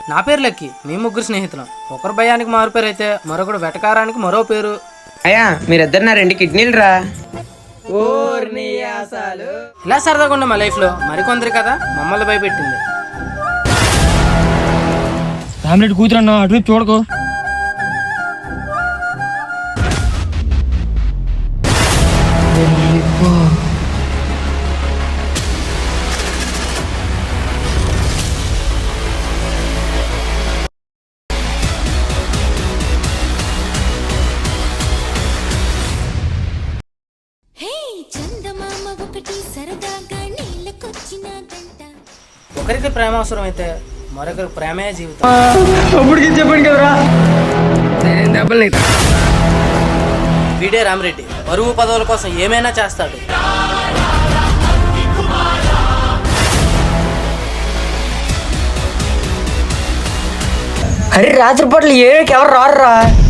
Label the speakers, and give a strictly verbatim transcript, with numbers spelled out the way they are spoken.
Speaker 1: నా పేరు లక్కీ. మీ ముగ్గురు స్నేహితులం. ఒకరు భయానికి మారు పేరు అయితే మరొకడు వెటకారానికి మరో పేరు.
Speaker 2: అయ్యా మీరిద్దరు నా రెండు కిడ్నీలు రా.
Speaker 1: ఇలా సరదాగా ఉండే మా లైఫ్ లో మరికొందరి కదా మమ్మల్ని భయపెట్టింది.
Speaker 3: ఫ్యామిలీ కూతురన్నా అటువైపు చూడకు.
Speaker 1: ఒకరికి ప్రేమ అవసరం అయితే మరొకరికి ప్రేమే జీవితం.
Speaker 3: చెప్పండి కదరా.
Speaker 1: వీడే రామరెడ్డి పరువు పదవుల కోసం ఏమైనా చేస్తాడు.
Speaker 2: అరే రాత్రి పూటలు ఏడుకి ఎవరు రారురా.